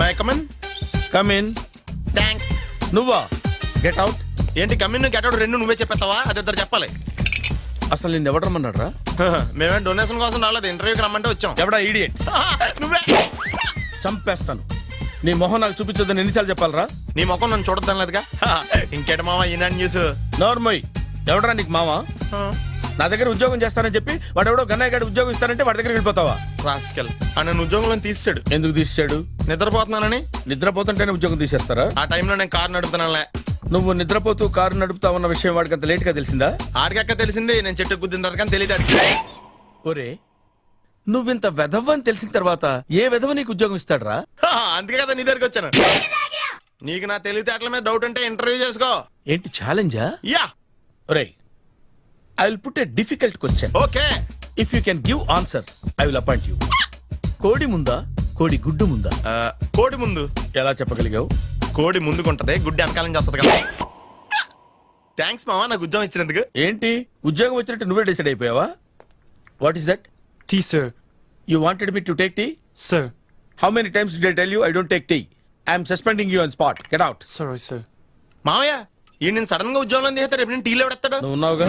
My come on. Come in. Thanks. నువ్వా? Get out. ఏంటి come in get out రెండు నువ్వే చెప్పేస్తావా? అది ఇద్దరు చెప్పాలి. అసలు నిన్ను ఎవడు రమ్మన్నాడు రా? మేమే డొనేషన్ కోసం రాలేదు, ఇంటర్వ్యూకి రమ్మంటే వచ్చాం. ఎవడా ఈడియట్? నువ్వే. చంపేస్తాను. నీ మొహం నాకు చూపించొద్దని ఎన్నిసార్లు చెప్పాలరా? నీ ముఖం నన్ను చూడద్దాం లేదుగా. ఇంకేట మామ ఈనాడు న్యూస్. నోర్మోయ్. ఎవడరా నీకు మావా? నా దగ్గర ఉద్యోగం చేస్తానని చెప్పి వాడెవడో గన్నయ్య గారి ఉద్యోగం ఇస్తానంటే వాడి దగ్గర వెళ్ళిపోతావా? రాస్కెల్. నన్ను ఉద్యోగంలో తీసాడు. ఎందుకు తీసాడు? నిద్రపోతున్నానని. నిద్రపోతుంటేనే ఉద్యోగం తీసేస్తారా? ఆ టైంలో నేను కారు నడుపుతున్నానులే. నువ్వు నిద్రపోతూ కారు నడుపుతా ఉన్న విషయం వాడికి అంత లేట్ గా తెలిసిందా? ఆడికక్క తెలిసింది, నేను చెట్టు గుద్దిన తర్వాత కానీ తెలియదు ఆడికి. ఒరే, నువ్వింత వెధవ్ అని తెలిసిన తర్వాత ఏ వెధవ నీకు ఉద్యోగం ఇస్తాడరా? అందుకే కదా నీ దగ్గరికి వచ్చాను. నీకు నా తెలివితేటల మీద డౌట్ అంటే ఇంటర్వ్యూ చేసుకో. ఏంటి ఛాలెంజా? యా. ఒరే, I will put a difficult question. Okay. If you can give answer I will appoint you. కోడి ముందా, కోడి గుడ్డు ముందా? కోడి ముందు. ఎలా చెప్పగలిగావు? కోడి ముందుకుంటది, గుడ్డి వెనకాలని చేస్తుంది కదా. థ్యాంక్స్ మామా నాకు ఉద్యోగం ఇచ్చినందుకు. ఏంటి ఉద్యోగం వచ్చినట్టు నువ్వే డిసైడ్ అయిపోయావా? What is that? Tea, sir. You wanted me to take tea? Sir. How many times did I tell you I don't take tea? I am suspending you on spot. Get out. Sorry, sir. మామయ్య ఈ నేను sudden గా ఉద్యోగంలో తీస్తాడు, రేపు నేను టీలో పెడతాడు. నువ్వు ఉన్నావుగా.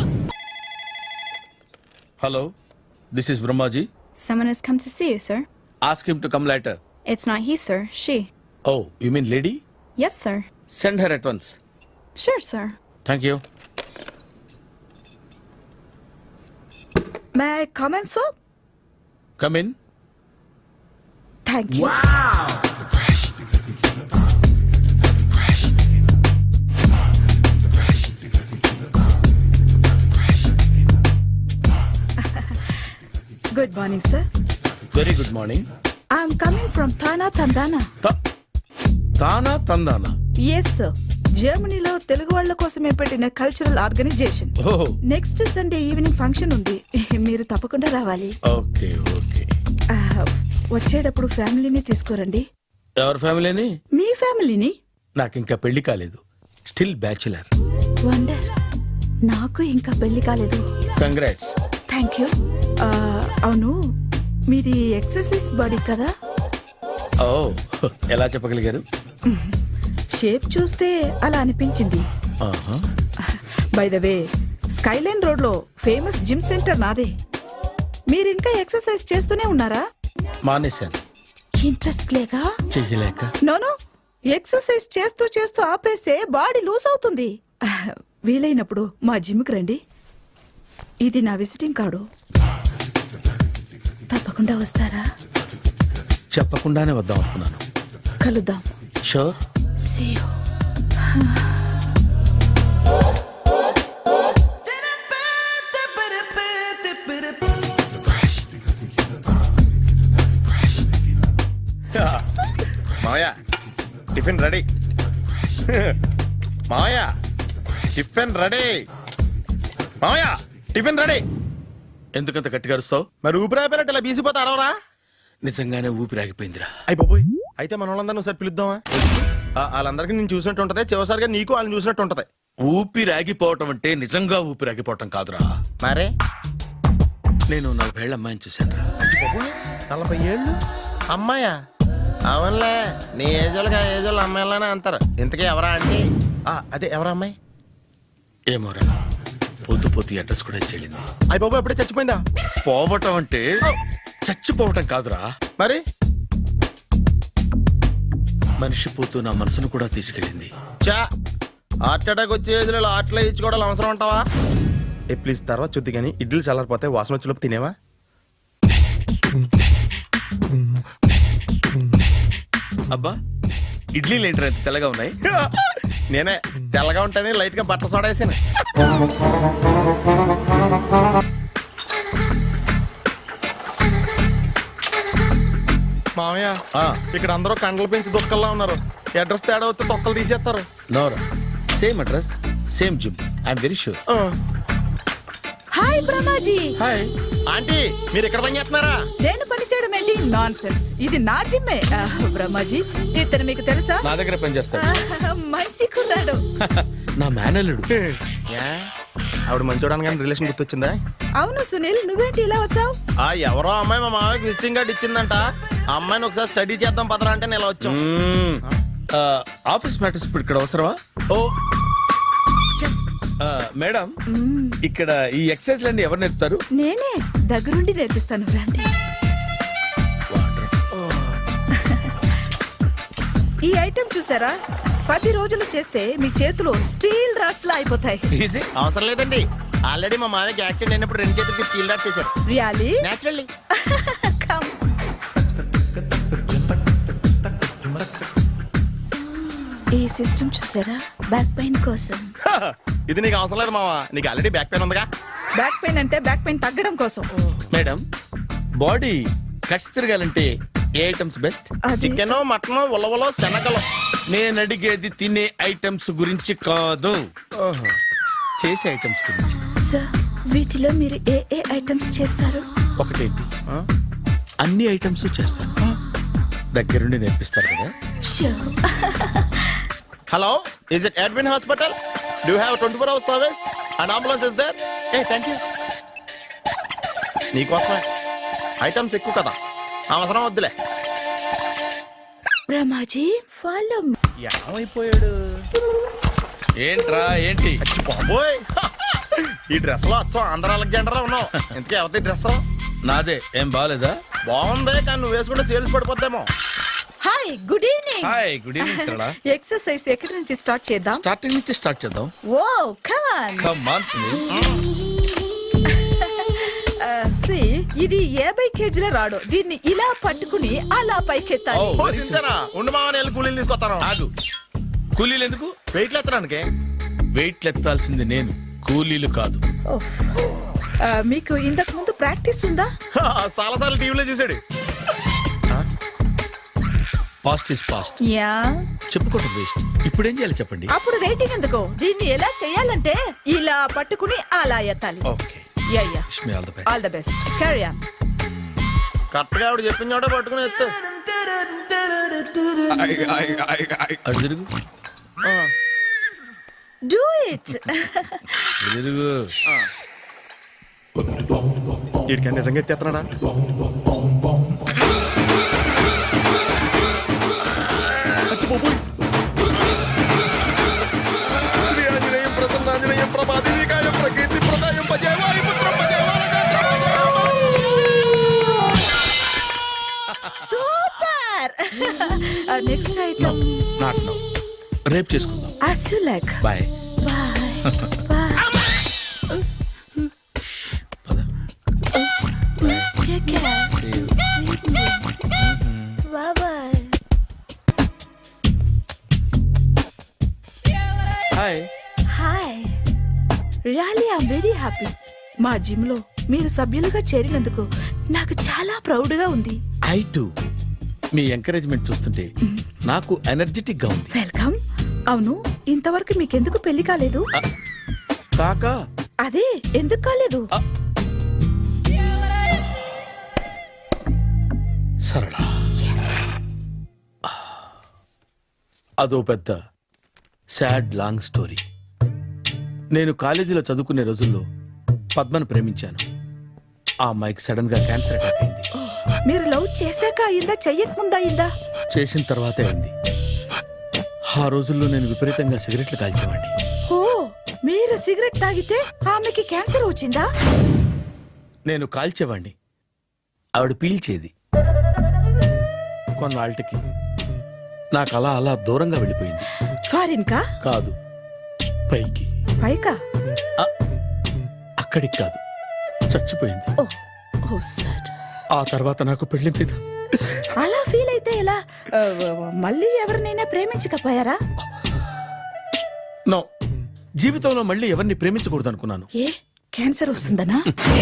Hello, this is Brahmaji. Someone has come to see you, sir. Ask him to come later. It's not he, sir. She. Oh, you mean lady? Yes, sir. Send her at once. Sure, sir. Thank you. May I come in, sir? Come in. Thank you. Good morning, sir. Very good morning. I'm coming from Thana, Tandana. Tana Tandana? Yes, sir. జర్మనీలో తెలుగు వాళ్ళ కోసమే పెట్టిన cultural organisation. ఓహో. Next Sunday evening function ఉంది, మీరు తప్పకుండా రావాలి. Okay okay. వచ్చేటప్పుడు ఫ్యామిలీని తీసుకురండి. ఎవరి ఫ్యామిలీని? మీ ఫ్యామిలీని. నాకు ఇంకా పెళ్లి కాలేదు, స్టిల్ బ్యాచులర్. వండర్. నాకు ఇంకా పెళ్లి కాలేదు. కంగ్రాట్స్. Thank you. అవును, మీది ఎక్సర్సైజ్ బాడీ కదా? ఓ, ఎలా చెప్పగలిగారు? షేప్ చూస్తే అలా అనిపించింది. By the way, skyline road లో ఫేమస్ జిమ్ సెంటర్ నాదే. మీరు ఇంకా ఎక్సర్సైజ్ చేస్తూనే ఉన్నారా? మానేశాను. ఇంట్రెస్ట్ లేగా? చెయ్యలేక. నోను, ఎక్సర్సైజ్ చేస్తూ చేస్తూ ఆపేస్తే బాడీ లూజ్ అవుతుంది. వీలైనప్పుడు మా జిమ్కి రండి. ఇది నా విజిటింగ్ కార్డు. తప్పకుండా వస్తారా? చెప్పకుండానే వద్దాం అనుకున్నాను. కలుద్దాం. షూర్. See you. మామయ్య టిఫిన్ రెడీ. మామయ్య టిఫిన్ రెడీ. మామయ్య టిఫిన్ రెడీ. ఎందుకంత గట్టిగా అరుస్తావు? మరి ఊపిరి అయిపోయినట్టు ఇలా బీసిపోతే అరవరా? నిజంగానే ఊపిరాగిపోయిందిరా. అయ్యి బాబోయ్, అయితే మన వాళ్ళందరినీ ఒకసారి పిలుద్దామా? వాళ్ళందరికీ నేను చూసినట్టు ఉంటది, చివరిసారిగా నీకు వాళ్ళని చూసినట్టు ఉంటది. ఊపిరాగిపోవటం అంటే నిజంగా ఊపిరాగిపోవటం కాదురా. మరే నేను 40 ఏళ్ల అమ్మాయిని చూశాను రా. 40 ఏళ్ళు అమ్మాయా? అవునులే, నీ ఏజోళ్ళకి ఆ ఏజోళ్ళు అమ్మాయిలానే అంటారు. ఇంతకీ ఎవరా అంటే? అదే ఎవరా అమ్మాయి? ఏమోరా, పొద్దు పొద్దు అడ్రస్ కూడా చెల్లింది. అయ్యి బాబు ఎప్పుడే చచ్చిపోయిందా? పోవటం అంటే చచ్చిపోవటం కాదురా, మరి మనిషి పోతూ నా మనసును కూడా తీసుకెళ్ళింది. చా, హార్ట్ అటాక్ వచ్చే ఏజ్లో ఆటలో ఇచ్చుకోవడం అవసరం అంటావా? ప్లీజ్ తర్వాత చూద్ది కానీ ఇడ్లీలు చల్లారిపోతే వాసన వచ్చేలోపు తినేవా? అబ్బా, ఇడ్లీలు ఏంటి తెల్లగా ఉన్నాయి? నేనే తెల్లగా ఉంటానే లైట్ గా బట్టలు సోడా వేసాను. మామయ్య, ఇక్కడ అందరూ కండలు పెంచి దుక్కల్లా ఉన్నారు. అడ్రస్ తేడా వస్తే తొక్కలు తీసేస్తారు. నోరా, same address, same gym. I'm very sure. Hi Brahmaji. Hi aunty, మీరు ఇక్కడ పని చేస్తున్నారా? నేను పని చేయడం ఏంటి? Nonsense. ఇది నా జిమ్మే. బ్రహ్మాజీ, ఇతను మీకు తెలుసా? నా దగ్గర పని చేస్తాడు. మంచి కుర్రాడు. నా మేనల్లుడు. ఆవిడ మంచి చూడడానికి రిలేషన్ గుర్తొచ్చిందా? అవును సునీల్, నువ్వేంటి ఇలా వచ్చావు? ఎవరో అమ్మాయి మా మామయ్యకి విజిటింగ్ కార్డు ఇచ్చిందంట. ఆ అమ్మాయిని ఒకసారి స్టడీ చేద్దాం పదరా అంటే నేను ఇలా వచ్చాం. ఆఫీస్ మ్యాటర్స్ ఇప్పుడు ఇక్కడ అవసరమా? ఓ మేడం, ఇక్కడ ఈ ఎక్సర్సైజ్ ఎవరు నేర్పుతారు? నేనే దగ్గరుండి నేర్పిస్తాను రండి. ఈ ఐటెం చూసారా, 10 రోజులు చేస్తే మీ చేతులు స్టీల్ రాట్స్ లా అయిపోతాయి. ఈజీ. అవసరం లేదండి, ఆల్రెడీ మా మామయ్యకి యాక్సిడెంట్ అయినప్పుడు 2 చేతులకి స్టీల్ డాట్ చేశారు. రియాలీ? నేచురల్లీ. ఈ సిస్టమ్ చూసారా, బ్యాక్ పెయిన్ కోసం. ఇది నీకు అవసరం లేదు మావా, నీకు ఆల్రెడీ బ్యాక్ పెయిన్ ఉందిగా. బ్యాక్ పెయిన్ అంటే బ్యాక్ పెయిన్ తగ్గడం కోసం. మేడం, బాడీ కట్స్ తిరగాలంటే ఏ ఐటమ్స్ బెస్ట్? అది చికెన్, మటన్, ఉలవలో, శనగలు. నేను అడిగేది తినే ఐటమ్స్ గురించి కాదు, చేసే ఐటమ్స్ గురించి. సార్, వీటిలో మీరు ఏ ఏ ఐటమ్స్ చేస్తారు? ఒకటేంటి, అన్ని ఐటమ్స్ చేస్తాను. దగ్గరుండి నేర్పిస్తారు కదా. Sure. Hello, is it admin hospital? Do have 24 hours service? And ambulance is there? ఏ థ్యాంక్ యూ. నీకోసమే, ఐటమ్స్ ఎక్కువ కదా, అవసరం వద్దులే. రమాజీ, ఫాలో. ఏమైపోయాడు? ఏంట్రా ఏంటి? అచ్చి బాబోయ్, ఈ డ్రెస్ లో అచ్చం ఆంధ్ర అలెగ్జాండర్ ఉన్నావు. ఇంతకీ ఎవరి డ్రెస్? నాదే. ఏం బాగాలేదా? బాగుంది, కానీ నువ్వు వేసుకుంటే సేల్స్ పడిపోద్దేమో. Hi, good evening. Hi, good evening Sarala. Exercise ఎక్కడి నుంచి స్టార్ట్ చేద్దాం? స్టార్టింగ్ నుంచి స్టార్ట్ చేద్దాం. Oh come on. Come on Sunil. See, ఇది 50 కేజీల రాడు. దీన్ని ఇలా పట్టుకుని అలా పైకెత్తాలి. Oh. ఓ, చింతేనా? ఉండు మామ, నేను కూలీలు తీసుకొస్తాను. ఆగు. కూలీలు ఎందుకు? వెయిట్లు ఎత్తడానికి. వెయిట్ ఎత్తాల్సింది నేను, కూలీలు కాదు. ఓఫ్. మీకు ఇంతకు ముందు ప్రాక్టీస్ ఉందా? చాలా సార్లు టీవీలో చూసాడు. Past is past, yeah. చెప్పుకోవటం వేస్ట్. ఇప్పుడు ఏం చేయాలి చెప్పండి. అప్పుడు వెయిటింగ్ ఎందుకు? దీన్ని ఎలా చేయాలంటే ఇలా పట్టుకుని అలా ఎత్తాలి. Okay, yeah yeah. Wish me all the best. All the best. Carry on. Correct గా ఆవిడ చెప్పిన చోట పట్టుకుని ఎత్తు. అటు తిరుగు, డూ ఇట్. అటు తిరుగు. వీడికి నిజంగా ఎత్తేస్తున్నాడా? శ్రీ ఆంజనేయం ప్రసన్నాంజనేయం ప్రభాదేవికాయం ప్రకీర్తి ప్రదాయం భజే వాయుపుత్రం భజే super. Next item not now, రేపు చేసుకుందాం. as you like. Bye. Bye. Bye. పద. Take care. Sweet dreams. Bye bye. Hi. Hi. Really, I'm very happy. మా జిమ్ లో మీరు సభ్యులుగా చేరినందుకు నాకు చాలా ప్రౌడ్ గా ఉంది. I to. మీ ఎంకరేజ్మెంట్ చూస్తుంటే నాకు ఎనర్జెటిక్ గా ఉంది. వెల్కమ్. అవును, ఇంతవరకు మీకెందుకు పెళ్లి కాలేదు? కాకా, అదే ఎందుకు కాలేదు? సరళ, అదో పెద్ద సాడ్ లాంగ్ స్టోరీ. నేను కాలేజీలో చదువుకునే రోజుల్లో పద్మను ప్రేమించాను. ఆ అమ్మాయికి సడన్ గా క్యాన్సర్ అటాక్ అయింది. మీరు లవ్ చేశాక అయిందా, చెయ్యక ముందా అయిందా? చేసిన తర్వాతే అయింది. ఆ రోజుల్లో నేను విపరీతంగా సిగరెట్లు కాల్చేవాడిని. ఓ, మీరు సిగరెట్ తాగితే ఆమెకి క్యాన్సర్ వచ్చిందా? నేను కాల్చేవాడిని, ఆవిడ పీల్చేది. కొన్నాళ్ళకి నాకు అలా అలా దూరంగా వెళ్ళిపోయింది. ఫారిన్ కా? కాదు, పైకి. పైకా? అక్కడికి కాదు, చచ్చిపోయింది. ఓ, ఓ సార్. ఆ తర్వాత నాకు పెళ్లి మీద అలా ఫీల్ అయితే ఎలా? మళ్ళీ ఎవరినైనా ప్రేమించకపోయారా? నో, జీవితంలో మళ్ళీ ఎవరిని ప్రేమించకూడదు అనుకున్నాను. ఏ, క్యాన్సర్ వస్తుందనా?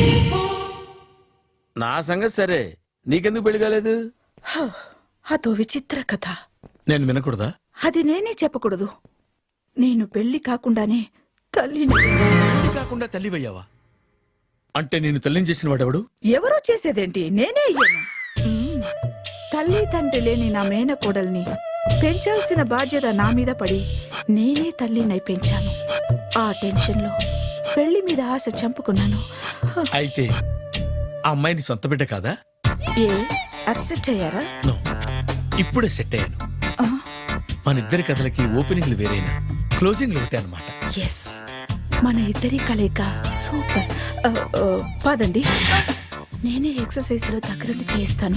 నా సంగతి సరే, నీకెందుకు పెళ్లి కాలేదు? అదో విచిత్ర కథ. నేను వినకూడదా? అది నేనే చెప్పకూడదు. నేను పెళ్లి కాకుండానే తల్లిని. పెళ్లి కాకుండా తల్లివయ్యావా? అంటే నేను తల్లిని చేసిన వాడెవడు? ఎవరో చేసేదేంటి, నేనే అయ్యాను. తల్లి తండ్రి లేని నా మేనకోడల్ని పెంచాల్సిన బాధ్యత నా మీద పడి నేనే తల్లినై పెంచాను. ఆ టెన్షన్లో పెళ్లి మీద ఆశ చంపుకున్నాను. అయితే ఆ అమ్మాయిని సొంత బిడ్డ కాదా? ఏ, అప్సెట్ అయ్యారా? నో, ఇప్పుడే సెట్ అయ్యాను. మన ఇద్దరి కథలకి ఓపెనింగ్లు వేరైనా క్లోజింగ్లు ఒకటే అనమాట. ఎస్, మన ఇద్దరి కలయిక సూపర్. పదండి, నేనే ఎక్సర్సైజ్ లో దగ్గరుండి చేయిస్తాను.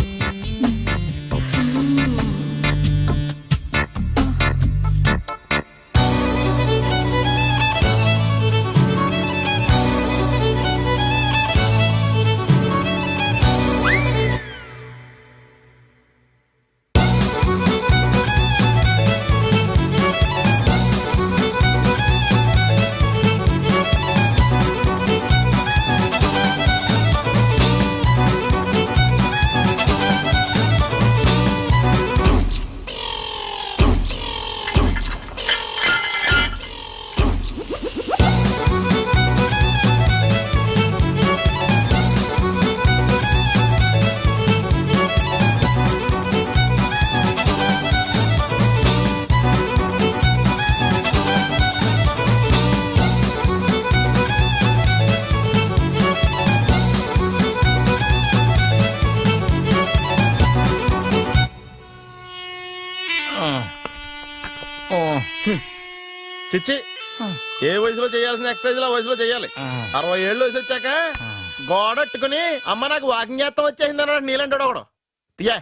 చిచ్చి, ఏ వయసులో చేయాల్సిన ఎక్సర్సైజ్ ఆ వయసులో చేయాలి. 60 ఏళ్ళు వయసు వచ్చాక గోడట్టుకుని అమ్మ నాకు వాకింగ్ చేస్తాం వచ్చేసింది అన్నాడు నీలంటాడు ఒకడు. తీయా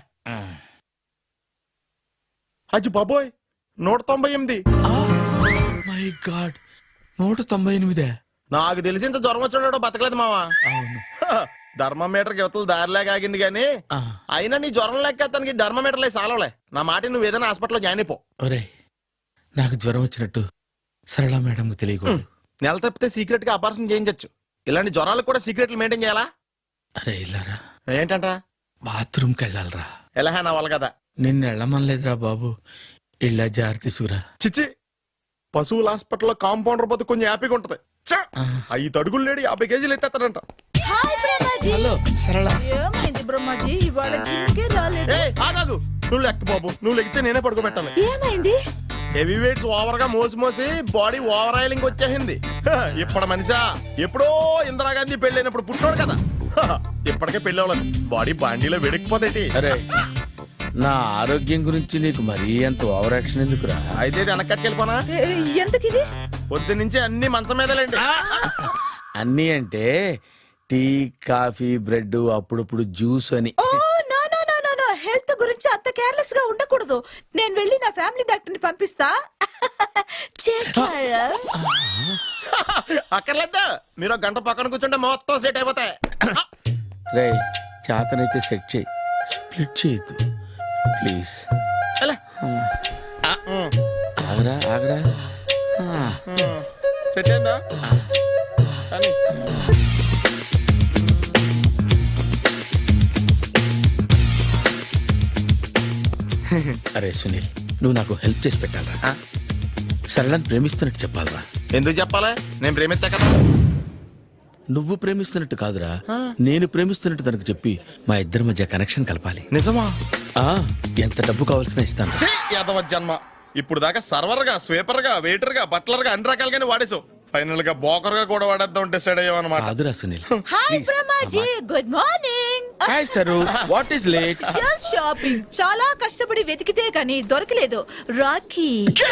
అచ్చి బాబోయ్, 198. My god, 198. నాకు తెలిసి ఇంత జ్వరం వచ్చాడో బతకలేదు మావా. అవును. ధర్మమీటర్ యువతలు దారిలాగా ఆగింది గానీ అయినా నీ జ్వరం లెక్క అతనికి ధర్మమీటర్లే సాలవలే. నా మాట నువ్వు ఏదైనా హాస్పిటల్లో జాయిన్ అయిపో. ఒరే, నాకు జ్వరం వచ్చినట్టు సరళ మేడంకు తెలియకూడదు. నెల తప్పితే సీక్రెట్ గా ఆపరేషన్ చేయించచ్చు. ఇలాంటి జ్వరాలకు కూడా సీక్రెట్లు మెయింటైన్ చేయాలా? అరే ఇల్లారా, ఏంటంటరా? బాత్రూమ్కి వెళ్ళాలరా. ఎలా నా వాళ్ళ కదా. నిన్ను వెళ్ళమనలేదురా బాబు, ఇళ్ళ జారి తీసుకురా. చిచ్చి, పశువుల హాస్పిటల్లో కాంపౌండర్ పోతే కొంచెం హ్యాపీగా ఉంటది. 5 అడుగులు లేడి 50 కేజీలు ఎత్తేస్తాడంట. హలో సరళ. ఏమైంది బ్రహ్మాజీ, ఇవాళ జిమ్కే రాలేదు? ఆగాదు, నువ్వు లెక్క బాబు. నువ్వు లెక్కితే నేనే పడుకోబెట్టాలి. ఏమైంది? హెవీ వెయిట్స్ ఓవర్ గా మోసి బాడీ ఓవర్ ఆయిలింగ్ వచ్చేసింది. ఇప్పుడు మనిషా ఎప్పుడో ఇందిరాగాంధీ పెళ్ళైనప్పుడు పుట్టినోడు కదా. ఇప్పటికే పెళ్ళి అవ్వలేదు, బాడీ బాండీలో వెడికిపోతేటి. అరే, నా ఆరోగ్యం గురించి నీకు మరీ అంత ఓవర్ యాక్షన్ ఎందుకురా? అయితే ఇది వెనక్కట్టుకెళ్ళిపోనా? ఎందుకిది? పొద్దు నుంచి అన్ని మంచం మీదలేండి. అన్నీ అంటే టీ, కాఫీ, బ్రెడ్, అప్పుడప్పుడు జ్యూస్ అని. Oh no no no no no, health గురించి అంత కేర్లెస్ గా ఉండకూడదు. నేను వెళ్ళి నా ఫ్యామిలీ డాక్టర్ ని పంపిస్తా. అక్కర్లేద్దా, మీరు 1 గంట పక్కన కూర్చుంటే మొత్తం సెట్ అయిపోతాయి. రే, చేతనైతే సెట్ చేయి, స్ప్లిట్ చేయొద్దు ప్లీజ్. ఆగరా ఆగరా. సెట్ అయిందా? కానీ అరే సునీల్, నువ్వు నాకు హెల్ప్ చేసి పెట్టాలరా. సరళని ప్రేమిస్తున్నట్టు చెప్పాలరా. ఎందుకు చెప్పాలి? నేను ప్రేమిస్తా కదా. నువ్వు ప్రేమిస్తున్నట్టు కాదురా, నేను ప్రేమిస్తున్నట్టు తనకు చెప్పి మా ఇద్దరి మధ్య కనెక్షన్ కలపాలి. నిజమా? ఎంత డబ్బు కావాల్సిన ఇస్తాను. యాదవ జన్మ. ఇప్పుడు దాకా సర్వర్ గా, స్వీపర్ గా, వెయిటర్ గా, బట్లర్ గా అన్ని రకాలుగానే వాడేసావు. ఫైనల్ గా బోకర్ గా కూడా వాడేద్దాం డిసైడ్ అయ్యామన్నమాట. కాదురా Sunil. Hi Brahmaji, good morning. Hi Saru, what is late? Just shopping. చాలా కష్టపడి వెతికితే కానీ దొరకలేదు. రాఖీ.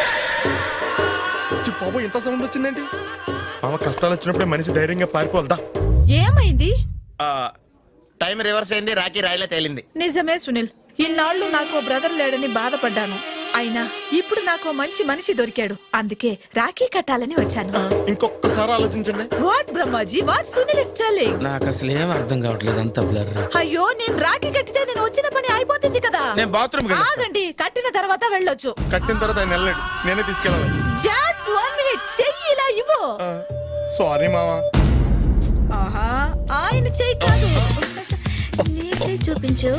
బాబు, ఇంత సౌండ్ వచ్చిందేంటి? మామ, కష్టాలు వచ్చినప్పుడే మనిషి ధైర్యంగా పారిపోవద్దా. ఏమైంది? టైం రివర్స్ అయింది, రాఖీ రాయిలా తేలింది. నిజమే సునీల్, ఇన్నాళ్ళు నాకు బ్రదర్ లేడని బాధపడ్డాను. అయినా ఇప్పుడు నాకు మంచి మనిషి దొరికాడు. అందుకే రాఖీ కట్టాలని వచ్చాను. ఇంకొకసారి ఆలోచించండి. What Brahmaji, what Sunil is telling? నాకు అసలు ఏం అర్థం కావట్లేదు, అంత బ్లర్. అయ్యో, నేను రాఖీ కట్టితే నేను వచ్చిన పని అయిపోతుంది కదా. నేను బాత్రూమ్ ఆగండి, కట్టిన తర్వాత వెళ్ళొచ్చు. కట్టిన తర్వాత ఆయన వెళ్ళండి, నేనే తీసుకెళ్ళాలి. జస్ట్ 1 మినిట్, చెయ్యి ఇలా ఇవ్వు. సారీ మావా. ఆహా, ఆయన చెయ్యి కాదు, నీ చెయ్యి చూపించు.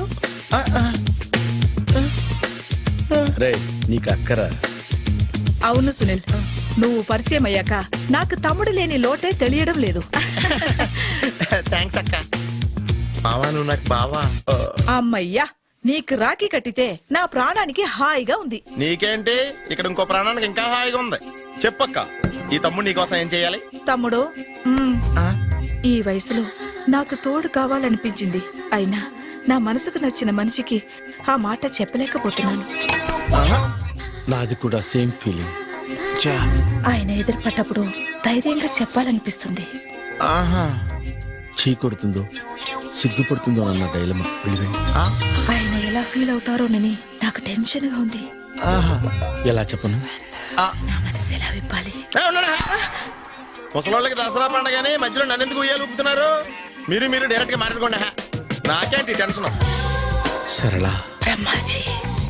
రే, నీకు అక్కరా? అవును సునీల్, నువ్వు పరిచయం అయ్యాక నాకు తమ్ముడు లేని లోటే తెలియడం లేదు. థ్యాంక్స్ అక్క. మావా, నువ్వు నాకు బావా. అమ్మయ్యా, నీకు రాఖీ కట్టితే నా ప్రాణానికి హాయిగా ఉంది. నీకేంటి, ఇక్కడ ఇంకో ప్రాణానికి ఇంకా హాయిగా ఉంది. చెప్పక్క, ఈ తమ్ముడు నీకోసం ఏం చేయాలి? తమ్ముడు, ఈ వయసులో నాకు తోడు కావాలనిపించింది. అయినా నా మనసుకు నచ్చిన మనిషికి ఆ మాట చెప్పలేకపోతున్నాను. నాది కూడా సేమ్ ఫీలింగ్. ఆయన ఎదురుపడ్డప్పుడు ధైర్యంగా చెప్పాలనిపిస్తుంది. ఆహా. చీ కొడుతుందో సిగ్గుపడుతుందో అన్న డైలమా. వెళ్ళి ఆయన ఎలా ఫీల్ అవుతారోనని నాకు టెన్షన్ గా ఉంది. ఎలా చెప్పను? నా మనసు ఎలా విప్పాలి? ముసలోళ్ళకి దసరా పండగని మధ్యలో నన్ను ఎందుకు ఉయ్యాలు ఊపుతున్నారు? మీరు డైరెక్ట్ గా మాట్లాడుకోండి. నాకేంటి టెన్షన్? సరళ, బ్రహ్మాజీ,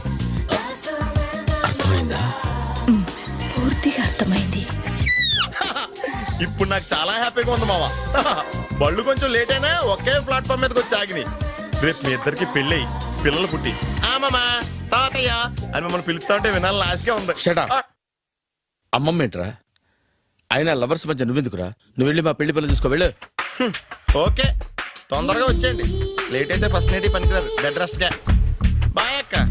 అర్థమైందా? పూర్తిగా అర్థమైంది. ఇప్పుడు నాకు చాలా హ్యాపీగా ఉంది మావా. బళ్ళు కొంచెం లేట్ అయినా ఒకే ప్లాట్ఫామ్ మీదకి వచ్చి ఆగినాయి. రేపు మీ ఇద్దరికి పెళ్ళి పిల్లలు పుట్టి మామా తాతయ్య అని మమ్మల్ని పిలుస్తా ఉంటే వినాలి లాస్ట్గా ఉంది. Shut up. అమ్మమ్మ ఏంట్రా? అయినా లవర్స్ మధ్య నువ్వెందుకురా? నువ్వు వెళ్ళి మా పెళ్లి పిల్లలు తీసుకో వెళ్ళు. ఓకే, తొందరగా వచ్చేయండి. లేట్ అయితే ఫస్ట్ నైట్ పనికిరారు. బెడ్ రెస్ట్ గా. బాయ్ అక్క.